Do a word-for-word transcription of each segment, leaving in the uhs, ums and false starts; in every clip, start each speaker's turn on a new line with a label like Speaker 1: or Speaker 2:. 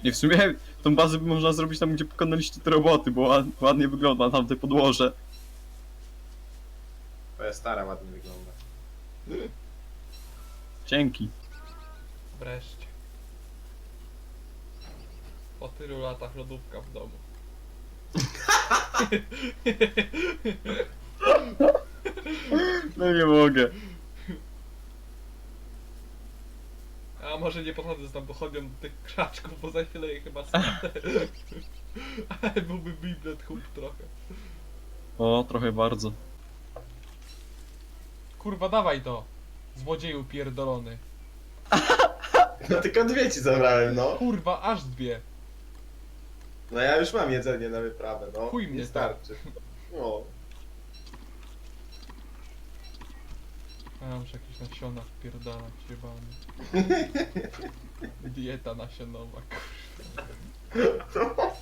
Speaker 1: Nie, w sumie tą bazę by można zrobić tam, gdzie pokonaliście te roboty, bo ład, ładnie wygląda tam te podłoże.
Speaker 2: Twoja stara ładnie wygląda.
Speaker 1: Dzięki.
Speaker 3: Wreszcie. Po tylu latach lodówka w domu.
Speaker 1: No nie mogę.
Speaker 3: A może nie podchodzę z tam pochodnią do tych krzaczków, bo za chwilę je chyba spadę. Ale byłby biblet hub trochę.
Speaker 1: O, trochę bardzo.
Speaker 3: Kurwa, dawaj to! Złodzieju pierdolony.
Speaker 2: No tylko dwie ci zabrałem, no.
Speaker 3: Kurwa, aż dwie.
Speaker 2: No ja już mam jedzenie na wyprawę, no.
Speaker 3: Chuj mnie
Speaker 2: nie starczy. No.
Speaker 3: A ja muszę jakieś nasiona wpierdalać, jebany. Dieta nasionowa, kurwa.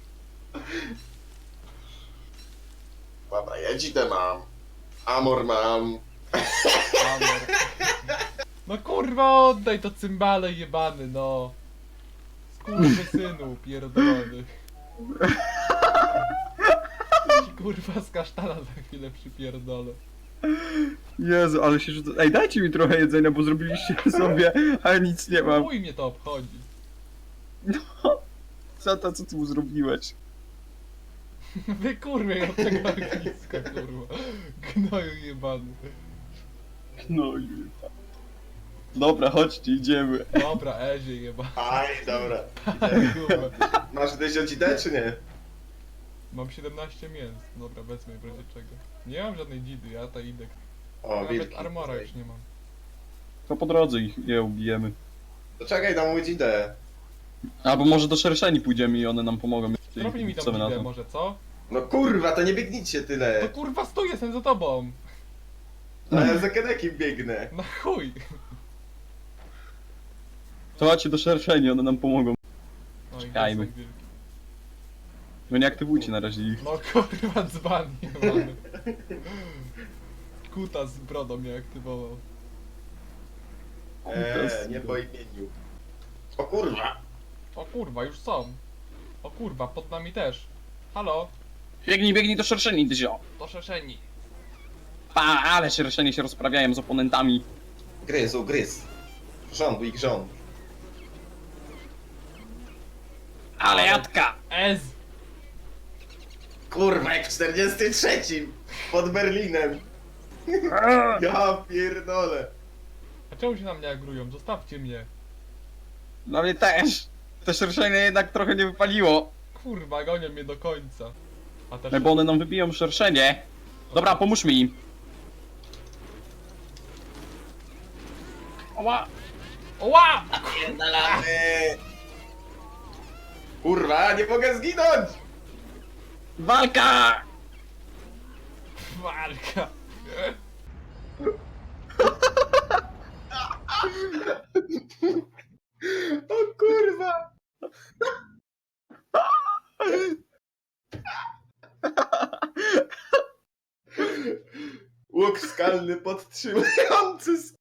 Speaker 2: Dobra, ja dzidę mam. Amor mam.
Speaker 3: Amor. No kurwa, oddaj to cymbale jebany, no. Skurwysynu pierdolony. Ci kurwa z kasztana za chwilę przypierdolę.
Speaker 1: Jezu, ale się rzuca... Ej, dajcie mi trochę jedzenia, bo zrobiliście sobie, a nic nie mam.
Speaker 3: Chuj mnie to obchodzi.
Speaker 1: Co to, co ty mu zrobiłeś?
Speaker 3: Wy kurwie od tego ogniska, kurwa. Gnoju jebany.
Speaker 1: No i... Dobra, chodźcie, idziemy.
Speaker 3: Dobra, Ezie jebany.
Speaker 2: Aj, dobra.
Speaker 3: Kurwa.
Speaker 2: Masz gdzieś odzidę, czy nie?
Speaker 3: Mam siedemnaście mięs. Dobra, wezmę w razie czego. Nie mam żadnej dzidy, ja ta idę.
Speaker 2: O,
Speaker 3: Nawet
Speaker 2: wilki.
Speaker 3: armora już nie mam.
Speaker 1: To po drodze ich je ubijemy.
Speaker 2: To czekaj, dam mu dzidę.
Speaker 1: Albo może do szerszeni pójdziemy i one nam pomogą.
Speaker 3: Zrobnij mi
Speaker 1: Co
Speaker 3: tą
Speaker 1: wy na
Speaker 3: dzidę
Speaker 1: to?
Speaker 3: może, co?
Speaker 2: No kurwa, to nie biegnijcie
Speaker 3: To
Speaker 2: tyle.
Speaker 3: kurwa stój, jestem za tobą.
Speaker 2: No ja za Kenekiem biegnę.
Speaker 3: No chuj.
Speaker 1: To chodźcie do szerszeni, one nam pomogą.
Speaker 3: No i
Speaker 1: Czekajmy.
Speaker 3: gdzie są wilki?
Speaker 1: No nie aktywujcie na razie ich.
Speaker 3: No kurwa dzban jebany. Kuta z brodą mnie aktywował.
Speaker 2: Eee, nie po imieniu. O kurwa.
Speaker 3: O kurwa, już są. O kurwa, pod nami też. Halo,
Speaker 1: Biegnij, biegnij do szerszeni, Dyzio.
Speaker 3: to szeszeni.
Speaker 1: Pa, ale szerszeni się rozprawiają z oponentami.
Speaker 2: Gryz, ugryz. Rząd, ich rząd.
Speaker 1: Ale jadka!
Speaker 3: Ez!
Speaker 2: Kurwa, jak w czterdziestym trzecim pod Berlinem. Ja pierdolę.
Speaker 3: A czemu się na mnie agrują? Zostawcie mnie.
Speaker 1: Dla mnie też. Te szerszenie jednak trochę nie wypaliło.
Speaker 3: Kurwa, gonią mnie do końca. A też...
Speaker 1: No bo one nam wybiją szerszenie. Dobra, pomóżmy im. Oła!
Speaker 3: Oła!
Speaker 2: Pierdolamy. Kurwa, nie mogę zginąć.
Speaker 1: Walka!
Speaker 3: Walka!
Speaker 2: O kurwa. Łuk skalny podtrzymujący sk-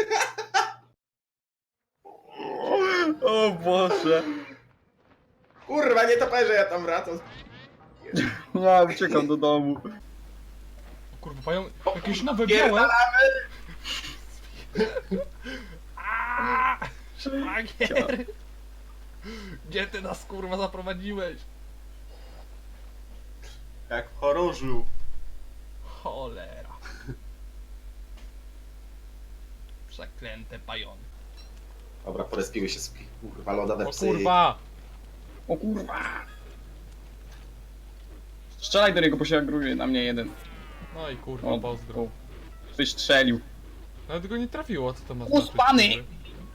Speaker 1: O Boże.
Speaker 2: Kurwa, nie toperze, ja tam wracam.
Speaker 1: Ja uciekam do domu.
Speaker 3: O kurwa, mają jakieś nowe białe. Aaaa! Szwagier! Gdzie ty nas kurwa zaprowadziłeś?
Speaker 2: Jak w chorążu.
Speaker 3: Cholera. Przeklęte pajony.
Speaker 2: Dobra, porespiły się z kurwa lodowe
Speaker 3: O
Speaker 2: psy.
Speaker 3: kurwa!
Speaker 1: O kurwa. Strzelaj do niego, bo się agruje na mnie jeden.
Speaker 3: No i kurwa,
Speaker 1: O,
Speaker 3: pozdro.
Speaker 1: o. Ktoś strzelił.
Speaker 3: Nawet go nie trafiło, co to ma
Speaker 1: Uspany!
Speaker 3: znaczyć?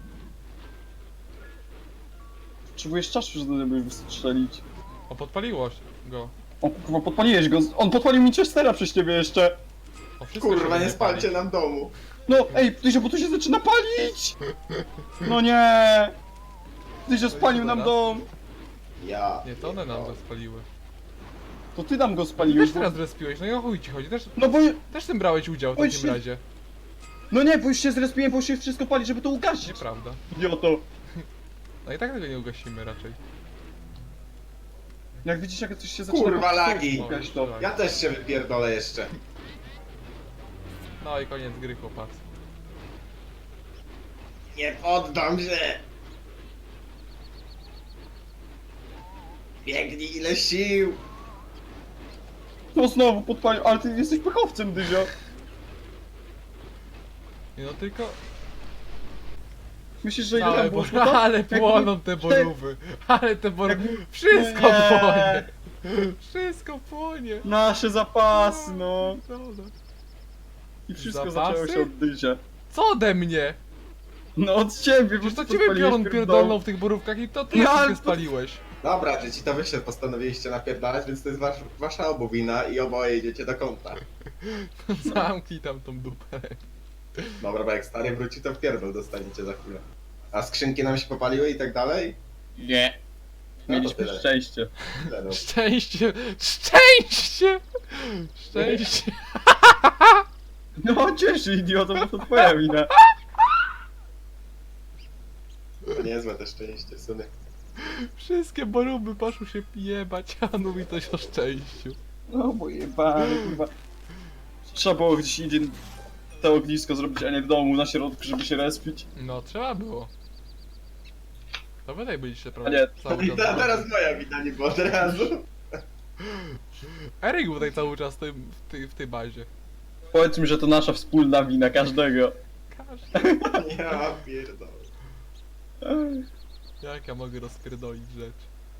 Speaker 1: Potrzebujesz czasu, żeby wystrzelić.
Speaker 3: O, podpaliło go.
Speaker 1: O kurwa, podpaliłeś go. On podpalił mi Chestera przez ciebie jeszcze.
Speaker 3: O, wszystko
Speaker 2: Kurwa,
Speaker 3: się
Speaker 2: nie spalcie
Speaker 3: pali.
Speaker 2: nam domu.
Speaker 1: No, ej, Tyzio, bo tu się zaczyna palić! No nie! Tyzio spalił nam dom!
Speaker 2: Ja.
Speaker 3: Nie, to one nam go spaliły.
Speaker 1: To ty nam go
Speaker 3: Ty
Speaker 1: spaliłeś,
Speaker 3: też
Speaker 1: bo...
Speaker 3: teraz respiłeś, no i o chuj ci chodzi, też,
Speaker 1: No bo...
Speaker 3: też tym brałeś udział w
Speaker 1: Oj,
Speaker 3: takim
Speaker 1: się-
Speaker 3: razie.
Speaker 1: No nie, bo już się zrespiłem, bo się wszystko pali, żeby to ugasić.
Speaker 3: Nieprawda.
Speaker 1: Idioto.
Speaker 3: No i tak tego nie ugasimy raczej.
Speaker 1: Jak widzisz, jak coś się zaczyna...
Speaker 2: Kurwa, lagi.
Speaker 1: Jakaś to...
Speaker 2: Ja też się wypierdolę jeszcze.
Speaker 3: No i koniec gry, chłopacy.
Speaker 2: Nie poddam się! Biegnij ile sił!
Speaker 1: No znowu podpalił, ale ty jesteś pechowcem, Dyzio.
Speaker 3: Nie no tylko...
Speaker 1: Myślisz, że ile
Speaker 3: Ale,
Speaker 1: tam było
Speaker 3: bo...
Speaker 1: złota?
Speaker 3: ale
Speaker 1: Jakby-
Speaker 3: płoną te borówy. Ale te borówy...
Speaker 1: Jakby-
Speaker 3: Wszystko
Speaker 1: Nie.
Speaker 3: płonie. Wszystko płonie.
Speaker 1: Nasze zapasy, no.
Speaker 3: No, no.
Speaker 1: I wszystko
Speaker 3: Zapasy?
Speaker 1: zaczęło się od Dyzia.
Speaker 3: Co ode mnie?
Speaker 1: No od ciebie,
Speaker 3: Przecież to
Speaker 1: ty
Speaker 3: ciebie
Speaker 1: podpaliłeś
Speaker 3: piorun
Speaker 1: pierdolę.
Speaker 3: pierdolną w tych borówkach i to ty
Speaker 1: No,
Speaker 3: no,
Speaker 1: ale
Speaker 3: się
Speaker 1: to-
Speaker 3: spaliłeś.
Speaker 2: Dobra, dzieci, to wy się postanowiliście napierdalać, więc to jest wasz, wasza obu wina i oboje idziecie do kąta.
Speaker 3: Zamknij tam tą dupę.
Speaker 2: Dobra, bo jak stary wróci, to w pierdol dostaniecie za chwilę. A skrzynki nam się popaliły i tak dalej?
Speaker 1: Nie.
Speaker 2: No to
Speaker 1: Mieliśmy
Speaker 2: tyle.
Speaker 1: szczęście.
Speaker 2: Tyle, no.
Speaker 3: Szczęście! Szczęście! Szczęście!
Speaker 1: No cieszy, idioto, bo to twoja wina.
Speaker 2: To niezłe te szczęście, syny.
Speaker 3: Wszystkie borówy poszły się jebać, a on mówi coś o szczęściu.
Speaker 1: No bo jebany, kurwa. Trzeba było gdzieś indziej to ognisko zrobić, a nie w domu, na środku, żeby się respić.
Speaker 3: No, trzeba było. To wy tak byliście
Speaker 1: A
Speaker 3: prawie
Speaker 1: nie,
Speaker 3: cały
Speaker 2: I
Speaker 3: czas.
Speaker 2: ta, teraz moja wina nie było od razu.
Speaker 3: Eryk był tutaj cały czas w, tym, w, tej, w tej bazie.
Speaker 1: Powiedz mi, że to nasza wspólna wina, każdego.
Speaker 3: Każdy.
Speaker 2: Ja pierdolę.
Speaker 3: Jak ja mogę rozpierdolić rzecz?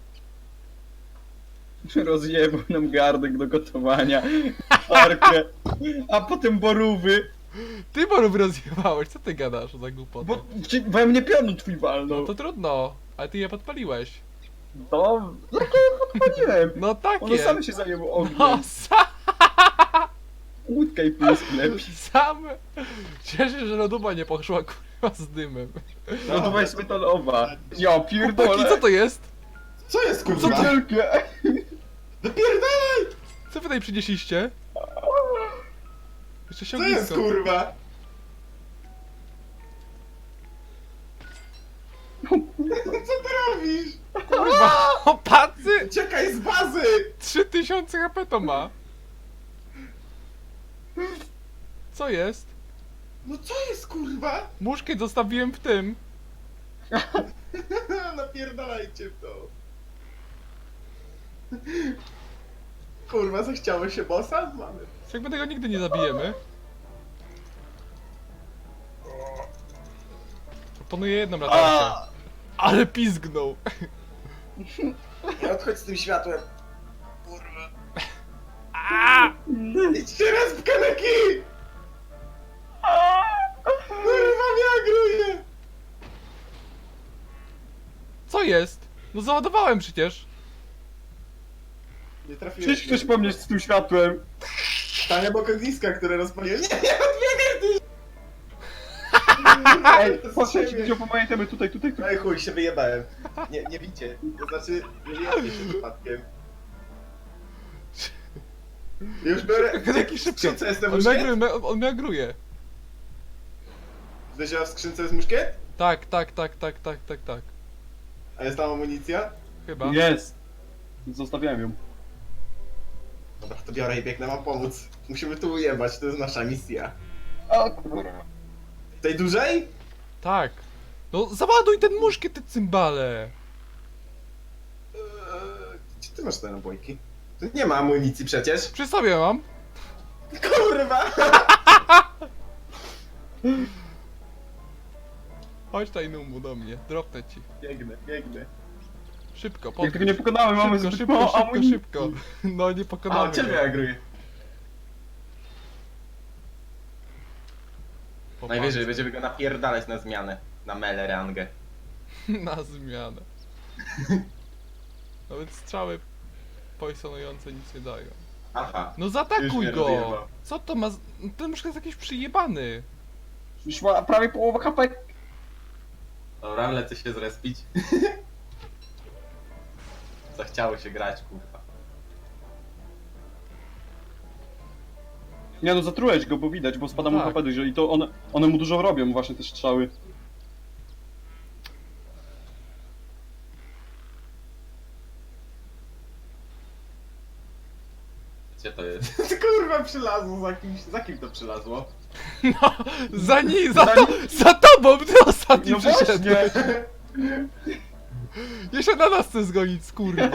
Speaker 1: Rozjebał nam gardek do gotowania, parkę, a potem borówy,
Speaker 3: Ty borów rozjebałeś, co ty gadasz za głupotę?
Speaker 1: bo ci- we mnie pionu twój walnął.
Speaker 3: No to trudno, ale ty je podpaliłeś.
Speaker 1: To... Jak ja podpaliłem?
Speaker 3: No takie!
Speaker 1: One same się zajęły ogniem.
Speaker 3: No sam,
Speaker 1: Łódka i pysk lepiej.
Speaker 3: sam! Cieszę się, że loduba nie poszła kurwa z dymem.
Speaker 1: No to weź metalowa. Ja
Speaker 3: Chłopaki,
Speaker 1: pierdolę.
Speaker 3: co to jest?
Speaker 2: Co jest
Speaker 1: Co
Speaker 2: kurwa?
Speaker 1: wielkie?
Speaker 2: Wypierdalaj!
Speaker 3: Co wy tutaj przynieśliście? Jeszcze
Speaker 2: Co jest
Speaker 3: siągnisko.
Speaker 2: kurwa? Co ty robisz?
Speaker 3: Kurwa, opacy!
Speaker 2: Uciekaj z bazy!
Speaker 3: trzy tysiące H P to ma. Co jest?
Speaker 2: No co jest kurwa?
Speaker 3: Muszkiet zostawiłem w tym.
Speaker 2: Napierdalajcie w to. Kurwa, zachciało się bossa? Mamy.
Speaker 3: Jakby tego nigdy nie zabijemy. Proponuję jedną latarkę. Ale pizgnął.
Speaker 2: Nie odchodź z tym światłem. Kurwa.
Speaker 3: A!
Speaker 2: Idźcie raz w kaneki! Kurwa, wiagruje!
Speaker 3: Co jest? No załadowałem przecież.
Speaker 2: Nie trafiłem.
Speaker 1: Przyjdź ktoś po mnie z tym światłem.
Speaker 2: Stań obok ogniska, które rozpaliłem. Nie, nie odbiegaj ty!
Speaker 1: Ej,
Speaker 2: To z
Speaker 1: poszedł,
Speaker 2: siebie.
Speaker 1: gdzie pamiętamy, tutaj, tutaj, tutaj.
Speaker 2: Ej chuj, się wyjebałem. Nie, nie bicie. To znaczy, nie wyjebie się przypadkiem. Już biorę...
Speaker 3: Jaki
Speaker 2: W
Speaker 3: szybko.
Speaker 2: skrzynce jest ten
Speaker 3: On
Speaker 2: muszkiet?
Speaker 3: miagruje, on miagruje.
Speaker 2: Wiedziała w skrzynce jest muszkiet?
Speaker 3: Tak, tak, tak, tak, tak, tak, tak.
Speaker 2: A jest tam amunicja?
Speaker 3: Chyba.
Speaker 1: Jest. Zostawiałem ją.
Speaker 2: Dobra, to biorę i biegnę wam pomóc. Musimy tu ujebać, to jest nasza misja.
Speaker 1: O kurwa.
Speaker 2: Tej dużej?
Speaker 3: Tak. No załaduj ten muszkiet, te cymbale.
Speaker 2: Eee, Gdzie ty masz te nabojki? Tu nie ma amunicji przecież.
Speaker 3: Przy sobie mam.
Speaker 2: Kurwa!
Speaker 3: Chodź Tajnumu do mnie, dropnę ci.
Speaker 2: Biegnę, biegnę.
Speaker 3: Szybko,
Speaker 1: Jak
Speaker 3: podchodź.
Speaker 1: tego nie pokonamy, mamy
Speaker 3: Szybko,
Speaker 1: zbyt
Speaker 3: szybko,
Speaker 1: mało
Speaker 3: szybko,
Speaker 1: amunicji.
Speaker 3: szybko. No nie
Speaker 2: A,
Speaker 3: pokonamy
Speaker 2: ciebie
Speaker 3: go.
Speaker 2: agruję.
Speaker 3: Po
Speaker 2: Najwyżej
Speaker 3: palcu.
Speaker 2: będziemy go napierdalać na zmianę. Na mele rangę.
Speaker 3: Na zmianę. Nawet strzały poisonujące nic nie dają.
Speaker 2: Aha.
Speaker 3: No
Speaker 2: Już
Speaker 3: zaatakuj
Speaker 2: mnie
Speaker 3: go!
Speaker 2: rozjebał.
Speaker 3: Co to ma... z- Ten muszkiet jest jakiś przyjebany.
Speaker 1: Już ma prawie połowę H P.
Speaker 2: Dobra, lecę się zrespić. Zachciało się grać, kurwa.
Speaker 1: Nie no, zatrułeś go, bo widać, bo spada mu
Speaker 3: Tak.
Speaker 1: H P dużo i to one, one mu dużo robią właśnie te strzały.
Speaker 2: Gdzie to jest? Kurwa, przylazło za kimś. Za kim to przylazło?
Speaker 3: No, za ni, za, to, za tobą, ty ostatni
Speaker 1: No
Speaker 3: przyszedłeś.
Speaker 1: właśnie!
Speaker 3: Jeszcze na nas chce zgonić, skurwa.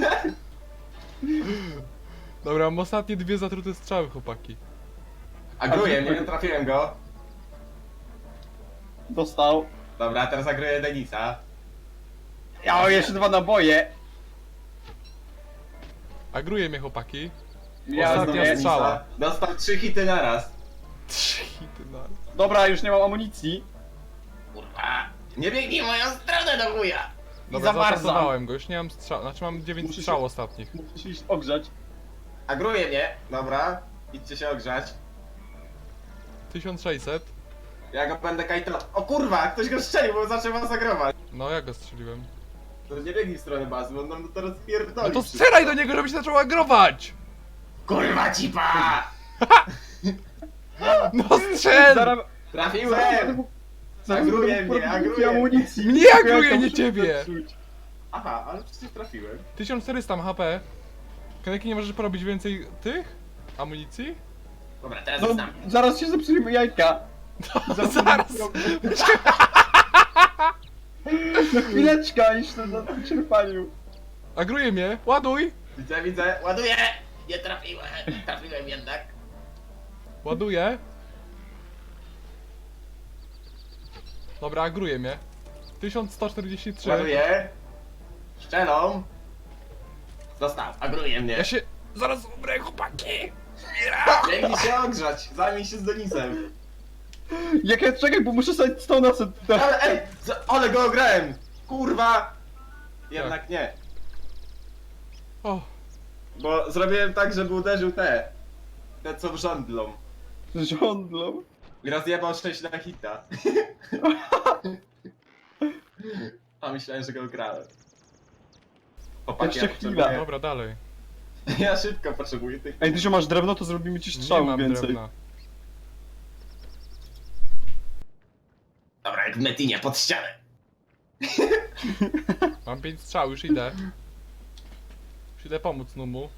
Speaker 3: Dobra, mam ostatnie dwie zatrute strzały, chłopaki.
Speaker 2: Agruję, nie trafiłem go.
Speaker 1: Dostał.
Speaker 2: Dobra, teraz agruję Denisa.
Speaker 1: Ja mam jeszcze dwa naboje.
Speaker 3: Agruje mnie, chłopaki.
Speaker 1: Ja
Speaker 3: Ostatnia
Speaker 1: znowu-
Speaker 2: Denisa.
Speaker 3: strzała.
Speaker 2: Dostał trzy hity naraz.
Speaker 3: Trzy hity na...
Speaker 1: Dobra, już nie mam amunicji.
Speaker 2: Kurwa. Nie biegnij w moją stronę do chuja.
Speaker 3: Dobra,
Speaker 1: zamarzam.
Speaker 3: zaatakowałem go, już nie mam strzał, znaczy mam dziewięć
Speaker 1: Muszę się-
Speaker 3: strzał ostatnich.
Speaker 1: Muszę się iść ogrzać.
Speaker 2: Agruje mnie. Dobra. Idźcie się ogrzać.
Speaker 3: tysiąc sześćset.
Speaker 2: Ja go będę kajtował. O kurwa, ktoś go strzelił, bo zaczął was agrować.
Speaker 3: No, ja go strzeliłem.
Speaker 2: To nie biegnij w stronę bazy, bo on nam to rozpierdoli.
Speaker 3: No to
Speaker 2: wszystko.
Speaker 3: strzelaj do niego, żeby się zaczął agrować!
Speaker 2: Kurwa cipa!
Speaker 3: No strzel!
Speaker 1: Zaraz...
Speaker 2: Trafiłem!
Speaker 1: Zaraz
Speaker 2: Agruje
Speaker 1: będę
Speaker 2: mnie,
Speaker 1: mógł
Speaker 2: agruje.
Speaker 1: amunicji.
Speaker 3: Mnie agruje,
Speaker 1: Ja to
Speaker 3: nie
Speaker 1: muszę
Speaker 3: ciebie.
Speaker 1: zepsuć.
Speaker 2: Aha, ale przecież trafiłem.
Speaker 3: tysiąc czterysta ma H P. Kaneki, nie możesz porobić więcej tych? Amunicji?
Speaker 2: Dobra, teraz
Speaker 1: No,
Speaker 2: znam.
Speaker 1: zaraz się zepsujemy jajka.
Speaker 3: No, zaraz!
Speaker 1: No chwileczka, jeszcze na tym czerpaniu.
Speaker 3: Agruje mnie, ładuj!
Speaker 2: Widzę, widzę, ładuję! Nie trafiłem, trafiłem jednak.
Speaker 3: Ładuję. Dobra, agruje mnie. tysiąc sto czterdzieści trzy.
Speaker 2: Ładuję. Szczelą. Został, agruje mnie.
Speaker 3: Ja się... Zaraz umrę, chłopaki!
Speaker 2: Biegnij się ogrzać, zajmij się z Denisem.
Speaker 1: Jak ja czekaj, bo muszę sobie stona sobie...
Speaker 2: Ale ej, za- ale go ograłem! Kurwa! Jednak nie.
Speaker 3: O,
Speaker 2: Bo zrobiłem tak, żeby uderzył te. Te co żądlą.
Speaker 1: Żądlą.
Speaker 2: I rozjebał sześć na hita. A myślałem, że go ograłem. Chłopaki,
Speaker 1: Jeszcze
Speaker 2: ja
Speaker 1: chwila.
Speaker 2: potrzebuję-
Speaker 3: dobra, dalej.
Speaker 2: Ja szybko potrzebuję tych.
Speaker 1: Ej, ty, że masz drewno, to zrobimy ci
Speaker 3: Nie
Speaker 1: strzał
Speaker 3: mam
Speaker 1: więcej.
Speaker 3: drewna.
Speaker 2: Dobra, jak w Metinie, pod ścianę.
Speaker 3: Mam pięć strzał, już idę. Już idę pomóc Numu.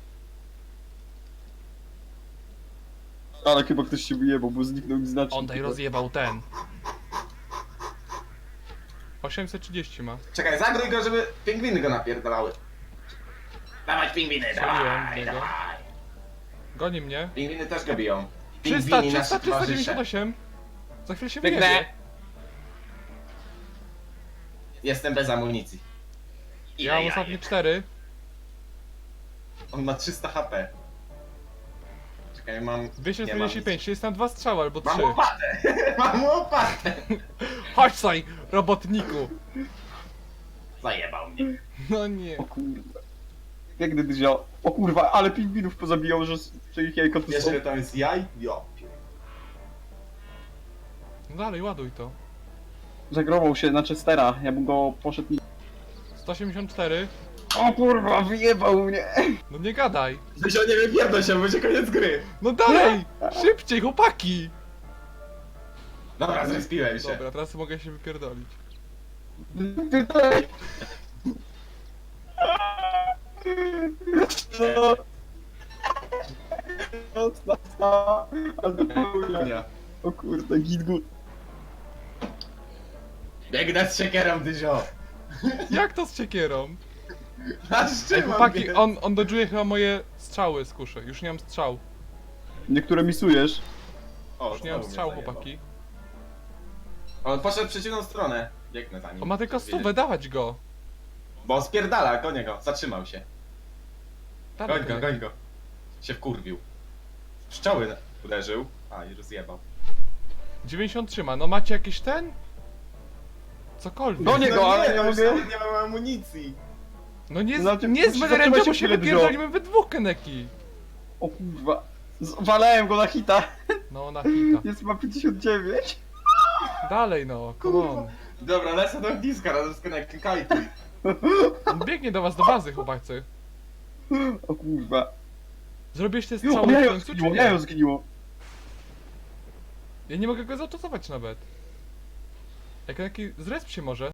Speaker 1: Ale chyba ktoś się wyjebał, bo zniknął mi znacznik.
Speaker 3: On tutaj rozjebał ten. osiemset trzydzieści ma.
Speaker 2: Czekaj, zagrój go, żeby pingwiny go napierdalały. Dawać pingwiny,
Speaker 3: Strzeliłem
Speaker 2: dawaj,
Speaker 3: w niego.
Speaker 2: dawaj.
Speaker 3: Goni mnie.
Speaker 2: Pingwiny też go biją.
Speaker 3: trzysta,
Speaker 2: Pingwini
Speaker 3: trzysta,
Speaker 2: nasi
Speaker 3: trzysta
Speaker 2: towarzysze.
Speaker 3: dziewięćdziesiąt osiem. Za chwilę się
Speaker 2: Biegnę.
Speaker 3: wyjebie.
Speaker 2: Jestem bez amunicji.
Speaker 3: Ja mam ostatnie cztery.
Speaker 2: On ma trzysta H P. Czekaj, mam...
Speaker 3: dwieście
Speaker 2: nie,
Speaker 3: czterdzieści pięć, czyli jest tam dwa strzały albo
Speaker 2: Mam
Speaker 3: trzy.
Speaker 2: łopatę! Mam łopatę!
Speaker 3: Chodź saj, robotniku.
Speaker 2: Zajebał mnie.
Speaker 3: No nie.
Speaker 1: O kurwa. Jak gdy wziął. O kurwa, ale pingwinów pozabijał, że, że ich jajko tu są.
Speaker 2: Wiesz, ile tam jest jaj? Jo.
Speaker 3: No dalej, ładuj to.
Speaker 1: Zagrował się na Chestera, ja bym go poszedł...
Speaker 3: sto osiemdziesiąt cztery.
Speaker 1: O kurwa, wyjebał mnie!
Speaker 3: No nie gadaj.
Speaker 2: Zysio, nie wypierdol się, będzie koniec gry.
Speaker 3: No dalej! Szybciej, chłopaki!
Speaker 2: Dobra, zrespiłem się.
Speaker 3: Dobra, teraz mogę się wypierdolić.
Speaker 1: Tutaj! No. Nocna stała, a do południa.
Speaker 2: Nie.
Speaker 1: O kurde, git good.
Speaker 2: Biegnę z siekierą, Dyzio.
Speaker 3: Jak to z siekierą?
Speaker 2: A
Speaker 3: Ej,
Speaker 2: z czym mam
Speaker 3: chłopaki,
Speaker 2: biec?
Speaker 3: on, on dodżuje chyba moje strzały z kuszy. Już nie mam strzał.
Speaker 1: Niektóre misujesz.
Speaker 2: O,
Speaker 3: Już nie mam
Speaker 2: znowu mnie
Speaker 3: strzał,
Speaker 2: zajebał.
Speaker 3: chłopaki.
Speaker 2: On poszedł w przeciwną stronę. Biegnę za nim.
Speaker 3: On ma tylko stówę, dawać go.
Speaker 2: Bo on spierdala, gonię go. Zatrzymał się.
Speaker 3: Dawaj
Speaker 2: Goń go, goń go. Się wkurwił. Pszczoły uderzył. A, i rozjebał.
Speaker 3: dziewięćdziesiąt trzy ma, no macie jakiś ten? Cokolwiek.
Speaker 1: No nie- go, ale
Speaker 2: nie,
Speaker 1: nie
Speaker 2: no już
Speaker 1: mogę.
Speaker 2: nawet nie mam amunicji.
Speaker 3: No nie, z,
Speaker 1: Znaczy,
Speaker 3: nie z
Speaker 1: musisz
Speaker 3: Wenerem,
Speaker 1: zatrzymać
Speaker 3: bo
Speaker 1: się
Speaker 3: się
Speaker 1: chwilę,
Speaker 3: wypierdolimy we dwóch, Keneki.
Speaker 1: O kurwa. Zwalałem go na hita.
Speaker 3: No, na hita.
Speaker 1: Jest ma pięćdziesiąt dziewięć.
Speaker 3: Dalej no, come on.
Speaker 2: Dobra, lecę do ogniska razem z Kennekiem, kajtuj.
Speaker 3: On biegnie do was do bazy, chłopacy.
Speaker 1: O kurwa.
Speaker 3: Zrobiłeś te
Speaker 1: Jo,
Speaker 3: strzały w
Speaker 1: jajo
Speaker 3: końcu, czy
Speaker 1: zgniło,
Speaker 3: nie?
Speaker 1: jajo zgniło.
Speaker 3: Ja nie mogę go zautosować nawet. Jak taki zresp się może.